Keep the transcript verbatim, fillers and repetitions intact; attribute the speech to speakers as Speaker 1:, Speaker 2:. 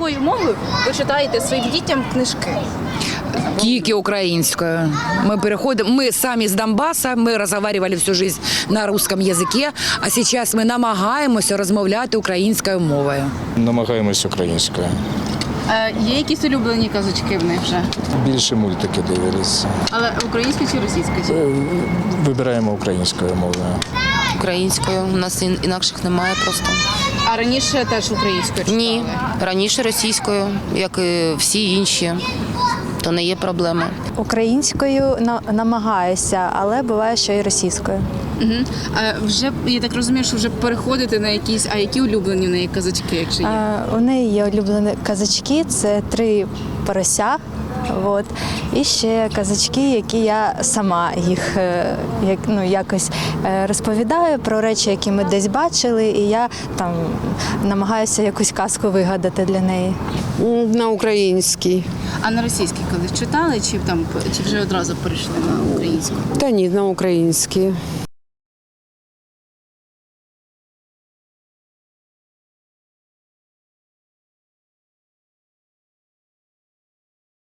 Speaker 1: якою мовою ви читаєте своїм дітям книжки?
Speaker 2: Тільки українською. Ми переходимо, ми самі з Донбаса, ми розмовляли всю життя на русском язикі, а зараз ми намагаємося розмовляти українською мовою.
Speaker 3: Намагаємось українською.
Speaker 1: Е, є якісь улюблені казочки в них вже?
Speaker 3: Більше мультики дивилися.
Speaker 1: Але українською чи російською?
Speaker 3: Вибираємо українською мовою.
Speaker 4: Українською. У нас ін- інакших немає просто.
Speaker 1: А раніше теж українською читали?
Speaker 4: Ні, раніше російською, як і всі інші. То не є проблеми.
Speaker 5: Українською на- намагаюся, але буває, що і російською.
Speaker 1: Угу. А вже, я так розумію, що вже переходите на якісь, а які улюблені в неї казочки, якщо є?
Speaker 5: Е, У неї є улюблені казачки, це три порося. От. І ще казачки, які я сама їх е, як, ну, якось е, розповідаю про речі, які ми десь бачили, і я там намагаюся якусь казку вигадати для неї.
Speaker 6: На українській.
Speaker 1: А на російській колись читали, чи там чи вже одразу перейшли на українську?
Speaker 6: Та ні, на українській.